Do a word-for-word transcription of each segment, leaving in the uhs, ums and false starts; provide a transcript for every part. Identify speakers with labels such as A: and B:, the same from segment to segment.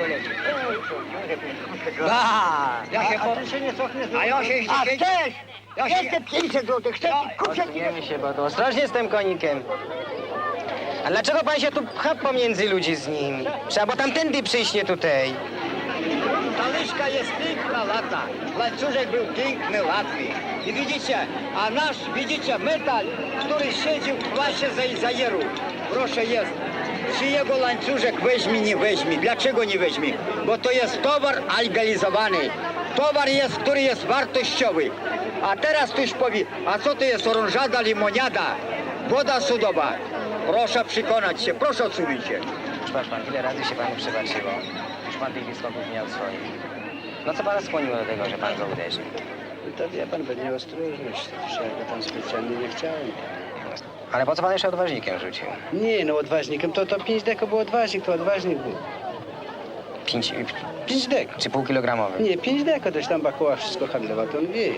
A: A,
B: Ja się
A: a,
B: po-
A: a ty się nie cofniesz?
B: A ja się
A: A
B: jeszcze-
A: chcesz?
B: Ja się-
A: Jeszcze pięćset złotych, chcesz? Kupię ci...
C: Odsuniemy się, bo to ostrożnie z tym konikiem. A dlaczego pan się tu pcha pomiędzy ludzi z nim? Trzeba było tamtędy przyjść, nie tutaj.
B: Ta łyżka jest piękna, lata. Łańcuszek był piękny, ładny. I widzicie, a nasz, widzicie, metal, który siedzi w klasie za zajeru. Proszę jest. Czy jego łańcuszek weźmie, nie weźmie. Dlaczego nie weźmie? Bo to jest towar legalizowany. Towar jest, który jest wartościowy. A teraz ktoś powie, a co to jest orężada, limoniada, woda sodowa? Proszę przekonać się, proszę odsunąć się.
C: Patrz pan, ile razy się panu przebaczyło. Już pan tych wieskoków miał swoich. No co pana skłoniło do tego, że pan go uderzył?
A: To wie pan, będzie ostrożność. Ja go tam specjalnie nie chciałem.
C: Ale po co pan jeszcze odważnikiem rzucił?
A: Nie, no odważnikiem, to, to pięć deko był odważnik, to odważnik był.
C: Pięć,
A: Pięć deko.
C: czy półkilogramowy?
A: Nie, pięć deko, toś tam Bakoła wszystko handlowa, to on wie.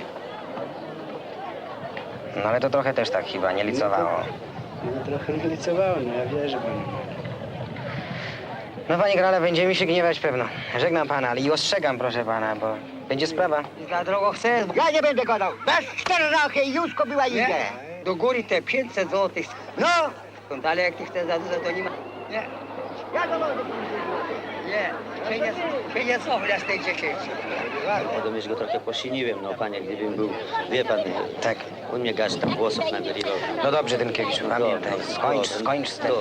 C: No ale to trochę też tak chyba nie licowało.
A: No trochę nie licowało, no ja wierzę panu.
C: No panie Grale, będzie mi się gniewać pewno. Żegnam pana, ale i ostrzegam proszę pana, bo będzie sprawa.
B: Za drogo chcesz?
A: Ja nie będę gadał. Bez cztery rachy i Józko była idzie.
B: Do góry te pięćset złotych.
A: No!
B: Skąd, ale jak ty chcesz za dużo, to nie ma. Nie,
A: Ja to mogę.
B: nie, się nie, się nie cofnę z tej dziesięci.
D: Podobnież go trochę posiniłem, no panie, gdybym był, wie pan,
C: Tak.
D: on mnie gaś tam włosów nagrywał.
C: No dobrze, Dynkiewicz, pamiętaj. Skończ, skończ z tym.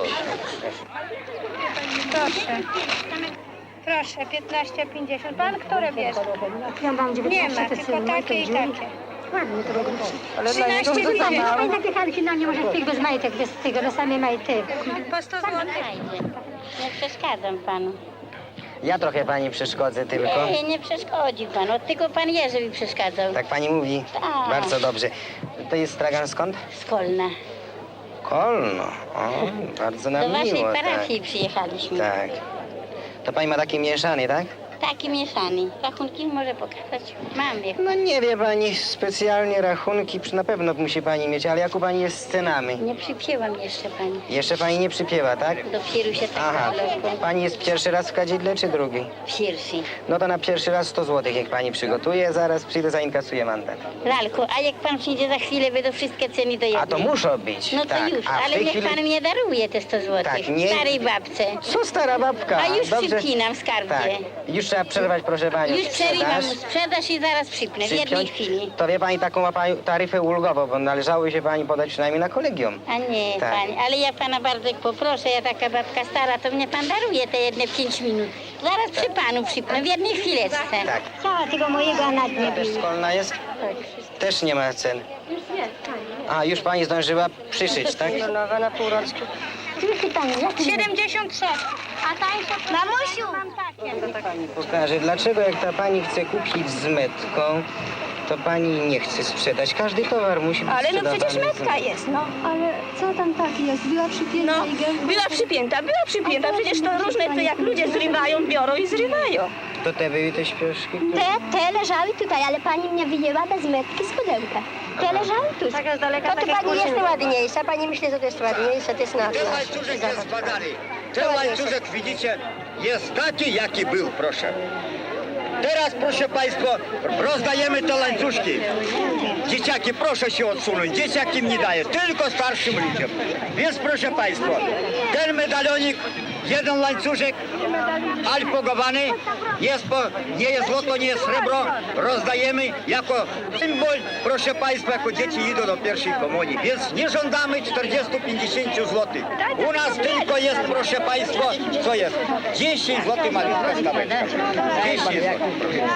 E: Proszę. Proszę, piętnaście pięćdziesiąt. Pan które bierze?
F: Ja mam
E: Nie ma, tylko takie i takie.
F: Ładnie to robią.
E: trzynaście
F: No
E: pięćdziesiąt.
F: i takie halki, no nie może tych bez majtek, bez tego, no same majty.
E: Po sto złotych.
G: Nie przeszkadzam panu.
C: Ja trochę pani przeszkodzę tylko.
G: Nie, nie przeszkodzi pan. Od tylko pan Jerzy mi przeszkadzał.
C: Tak pani mówi?
G: Tak.
C: Bardzo dobrze. To jest stragan skąd?
G: Z Kolna.
C: Kolno. O, bardzo nam
G: Do waszej
C: miło.
G: parafii przyjechaliśmy.
C: Tak. tak. To pani ma taki mieszany, tak?
G: Taki mieszany. Rachunki może pokazać. Mam je.
C: No nie wie pani, specjalnie rachunki na pewno musi pani mieć, ale jak u pani jest z cenami?
G: Nie przypięłam jeszcze pani.
C: Jeszcze pani nie przypiewa, tak?
G: Dopiero się tak
C: Aha.
G: zalewką.
C: Pani jest pierwszy raz w kadzidle, czy drugi?
G: Pierwszy.
C: No to na pierwszy raz sto złotych, jak pani przygotuje, zaraz przyjdę, zainkasuję mandat.
G: Lalku, a jak pan przyjdzie za chwilę, będą wszystkie ceny do jednej.
C: A to muszą być,
G: No to
C: tak.
G: już,
C: A w
G: ale
C: tej
G: niech
C: chwili...
G: pan mnie daruje te sto złotych.
C: Tak, nie-
G: Starej babce.
C: Co stara babka?
G: A już
C: Dobrze.
G: przypinam w skarbie.
C: Tak. Już trzeba przerwać, proszę panią,
G: Już przerywam
C: sprzedaż.
G: sprzedaż i zaraz przypnę, w jednej
C: Przypiąć.
G: chwili.
C: To wie pani, taką ma pani taryfę ulgową, bo należało się pani podać przynajmniej na kolegium.
G: A nie,
C: Tak.
G: pani, ale ja pana bardzo poproszę, ja taka babka stara, to mnie pan daruje te jedne pięć minut. Zaraz przy panu przypnę, w jednej chwileczce.
C: Tak.
F: Cała tego mojego, a nad nie
C: Też
F: bije.
C: szkolna jest? Też nie ma cen. A, już pani zdążyła przyszyć, tak?
F: Nowa na półroczku. Tylko pani, jak ty
E: siedemdziesiąt trzy.
F: A tańsze? Mamusiu! Mam takie.
C: Pani pokaże, dlaczego jak ta pani chce kupić z metką, to pani nie chce sprzedać. Każdy towar musi być
E: Ale no
C: sprzedawany
E: przecież
C: z
E: metka jest, no.
F: Ale co tam taki jest? Była przypięta
E: No,
F: i gęba.
E: była przypięta, była przypięta. Przecież to różne, to jak ludzie zrywają, biorą i zrywają.
C: To te były te śpioszki?
F: Te, te leżały tutaj, ale pani mnie wyjęła bez metki z pudełka. Te leżały tu.
E: Taka z daleka,
F: To
E: tak
F: tu
E: jak
F: pani jest
E: kurczę.
F: ładniejsza, pani myśli, że to jest ładniejsze, to jest na
B: Ten łańcuszek jest badany. Ten łańcuszek, widzicie, jest taki, jaki był, proszę. Teraz, proszę państwa, rozdajemy te łańcuszki. Dzieciaki, proszę się odsunąć. Dzieciakom nie daję, tylko starszym ludziom. Więc, proszę państwa, ten medalionik, jeden łańcuszek alpogowany, jest po, nie jest złoto, nie jest srebro, rozdajemy jako symbol, proszę państwa, jako dzieci idą do pierwszej komunii. Więc nie żądamy czterdzieści pięćdziesiąt złotych. U nas tylko jest, proszę państwa, co jest? dziesięć złotych malutka staweczka. dziesięć złotych.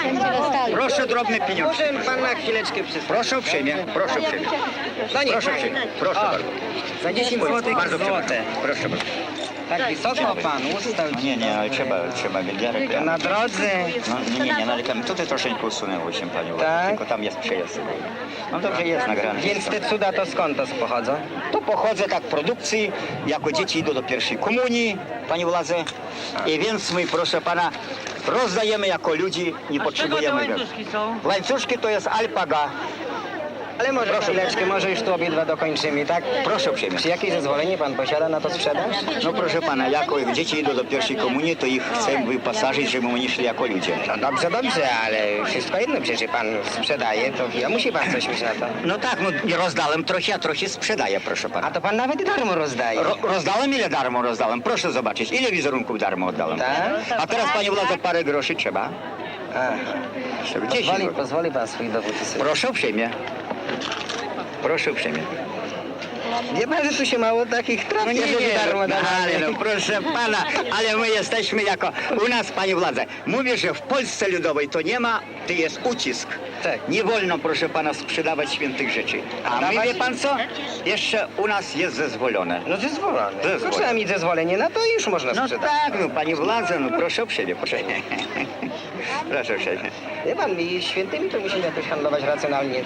B: Proszę drobne pieniądze.
C: Może pan na chwileczkę przystąpić.
B: Proszę uprzejmie, proszę uprzejmie. Proszę uprzejmie, proszę bardzo.
C: Za dziesięć złotych
B: Bardzo
C: złote.
B: przepraszam. Proszę bardzo.
C: Tak wysoko pan ustał.
D: No nie, nie, ale trzeba, trzeba wielka.
C: Na drodze.
D: No nie, nie, nie, ale tam tutaj troszeczkę usunęło się panią,
C: Tak?
D: tylko tam jest przejazd. No dobrze, jest nagrane.
C: Więc te cuda to skąd to pochodzą?
B: To pochodzę tak produkcji, jako dzieci idą do pierwszej komunii, panie władze. I więc my, proszę pana, rozdajemy jako ludzi, nie potrzebujemy.
H: łańcuszki są?
B: Łańcuszki to jest alpaga.
C: Ale może chwileczkę, może już tu obydwa dokończymy, tak?
B: Proszę uprzejmie.
C: Czy jakieś zezwolenie pan posiada na to sprzedaż?
B: No proszę pana, jako jak dzieci idą do pierwszej komunii, to ich chcę wyposażyć, żeby oni szli jako ludzie.
C: No dobrze, dobrze, ale wszystko jedno, przecież pan sprzedaje, to ja musi pan coś mieć na to.
B: No tak, no rozdałem trochę, a trochę sprzedaję, proszę pana.
C: A to pan nawet darmo rozdaje.
B: Ro rozdałem, ile darmo rozdałem? Proszę zobaczyć, ile wizerunków darmo oddałem.
C: Tak?
B: A teraz, panie władze, parę groszy trzeba.
C: Aha.
B: Żeby dzieci
C: Pozwoli,
B: były.
C: pozwoli pan swój dowód sobie.
B: Proszę uprzejmie. Proszę uprzejmie.
C: Wie pan, że tu się mało takich trafi,
B: No nie,
C: żeby
B: nie,
C: darmo
B: no,
C: dawać.
B: ale no proszę pana, ale my jesteśmy jako, u nas, panie władze, mówię, że w Polsce Ludowej to nie ma, to jest ucisk.
C: Tak.
B: Nie wolno, proszę pana, sprzedawać świętych rzeczy. A my,
C: Dawać?
B: wie pan co, jeszcze u nas jest zezwolone.
C: No zezwolone.
B: Zezwolone.
C: To trzeba mieć zezwolenie, no to już można
B: No
C: sprzedać.
B: tak, no panie władze, no proszę uprzejmie, proszę. Proszę uprzejmie.
C: Wie pan, i świętymi to musimy jakoś handlować racjonalnie.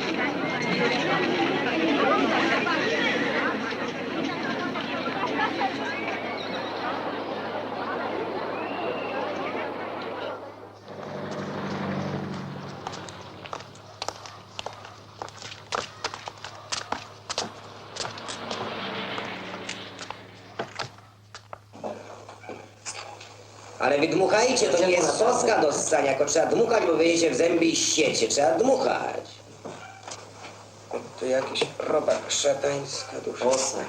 H: Ale wy dmuchajcie, to nie jest soska do ssania, tylko trzeba dmuchać, bo wyjdziecie w zęby i ściecie. Trzeba dmuchać. Tu jakiś robak szatańska dusza.
I: Osaj.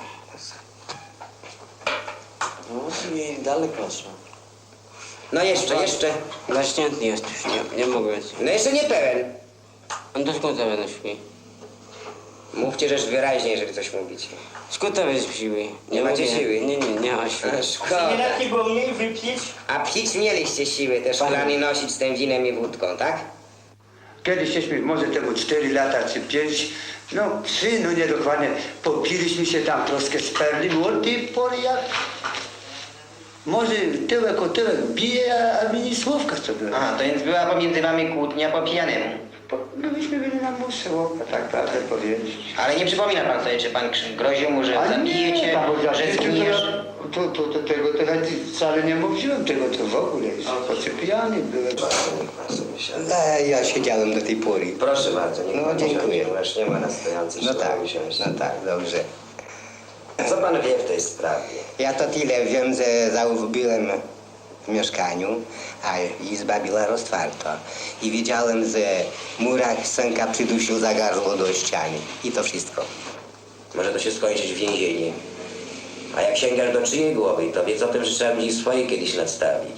I: No i daleko szło.
H: No jeszcze, jeszcze.
I: Zaśnięty jest już, nie, nie mogę być.
H: No jeszcze nie pełen.
I: On to skąd to będę śpi?
H: Mówcie rzecz wyraźnie, jeżeli coś mówicie.
I: Skąd to będzie siły?
H: Nie macie siły?
I: Nie, nie, nie ma siły.
H: A, szkoda.
B: było mniej wypić?
H: A pić mieliście siły, te szklany nosić z tym winem i wódką, tak?
A: Kiedyś, może temu cztery lata czy pięć, no trzy, no niedokładnie, popiliśmy się tam troszkę z perli, od tej pory jak... Może tyłek o tyłek bije, a, a mi ni słówka co było.
C: Aha, to więc była pomiędzy wami kłótnia po pijanemu.
A: Po- No myśmy byli na muszy, tak prawdę powiedzieć.
C: Ale nie przypomina pan sobie, czy pan krzy- groził mu, że
A: Ale
C: zabije
A: nie,
C: cię,
A: tam, bo
C: że
A: ja-
C: zginiesz?
A: To, to, to, tego to ja wcale nie mówiłem, tego to w ogóle, choć pijany byłem.
H: No, ja siedziałem do tej pory. Proszę bardzo, nie
C: No, dziękuję.
H: Masz, nie ma na stojącej.
C: No tak,
H: no tak, dobrze. Co pan wie w tej sprawie?
C: Ja to tyle wiem, że zauważyłem w mieszkaniu, a izba była roztwarta. I widziałem, że Murak synka przydusił za gardło do ściany. I to wszystko.
H: Może to się skończyć w więzieniu. A jak sięgasz do czyjej głowy, to wiedz o tym, że trzeba będzie swoje kiedyś nadstawić.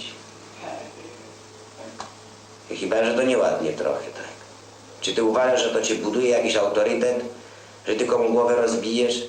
H: I chyba, że to nieładnie trochę, tak? Czy ty uważasz, że to cię buduje jakiś autorytet? Że ty komu głowę rozbijesz?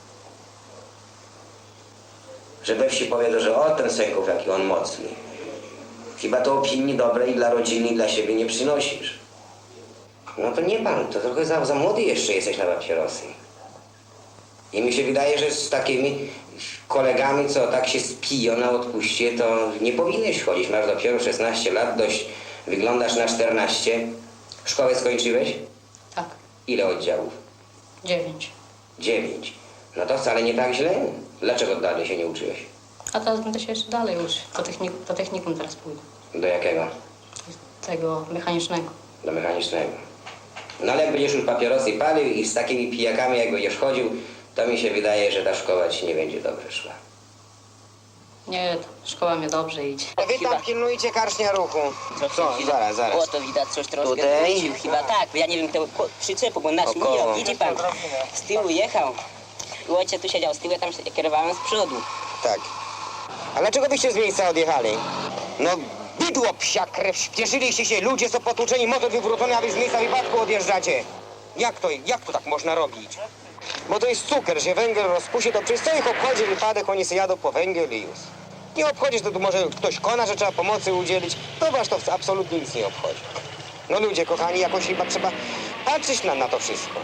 H: Że we wsi powiedzą, że o, ten Sęków, jaki on mocny. Chyba to opinii dobrej dla rodziny i dla siebie nie przynosisz. No to nie pan, to trochę za, za młody jeszcze jesteś na papierosy. I mi się wydaje, że z takimi kolegami, co tak się spiją na odpuście, to nie powinieneś chodzić. Masz dopiero szesnaście lat, dość wyglądasz na czternaście. Szkołę skończyłeś?
J: Tak,
H: Ile oddziałów?
J: dziewięć.
H: Dziewięć. No to wcale nie tak źle. Dlaczego dalej się nie uczyłeś?
J: A teraz będę się jeszcze dalej uczyć. Do, technik do technikum teraz pójdę.
H: Do jakiego?
J: Tego mechanicznego.
H: Do mechanicznego. No ale jak będziesz już papierosy palił i z takimi pijakami jak będziesz chodził, to mi się wydaje, że ta szkoła ci nie będzie dobrze szła.
J: Nie, to szkoła mnie dobrze idzie.
C: Wy tam pilnujcie karcznia ruchu. Co? Zaraz, zaraz.
K: O, to widać coś troszkę
C: Tutaj?
K: wrócił chyba tak, bo ja nie wiem kto ko- przyczepu, bo nasz
C: Około.
K: mijał, widzi pan, z tyłu jechał. I ojciec tu siedział z tyłu, ja tam się kierowałem z przodu.
C: Tak. A dlaczego byście z miejsca odjechali? No bydło psia krew, śpieszyliście się, ludzie są potłuczeni, motor wywrócony, a wy z miejsca wypadku odjeżdżacie. Jak to, jak to tak można robić? Bo to jest cukier, że węgiel rozpuści, to przez co ich obchodzi wypadek, oni sobie jadą po węgiel i już. Nie obchodzi, to tu może ktoś kona, że trzeba pomocy udzielić, to was to absolutnie nic nie obchodzi. No ludzie kochani, jakoś chyba trzeba patrzeć na, na to wszystko.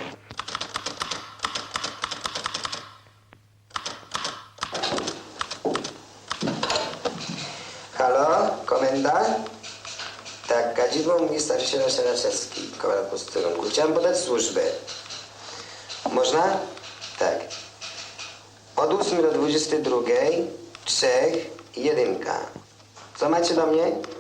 H: Halo, komenda? Tak, kadzidło mówi starszy Raszelski, komendant posterunku. Chciałem podać służbę. Można? Tak. Od ósmej do dwudziestej drugiej, trzech, jedynka. Co macie do mnie?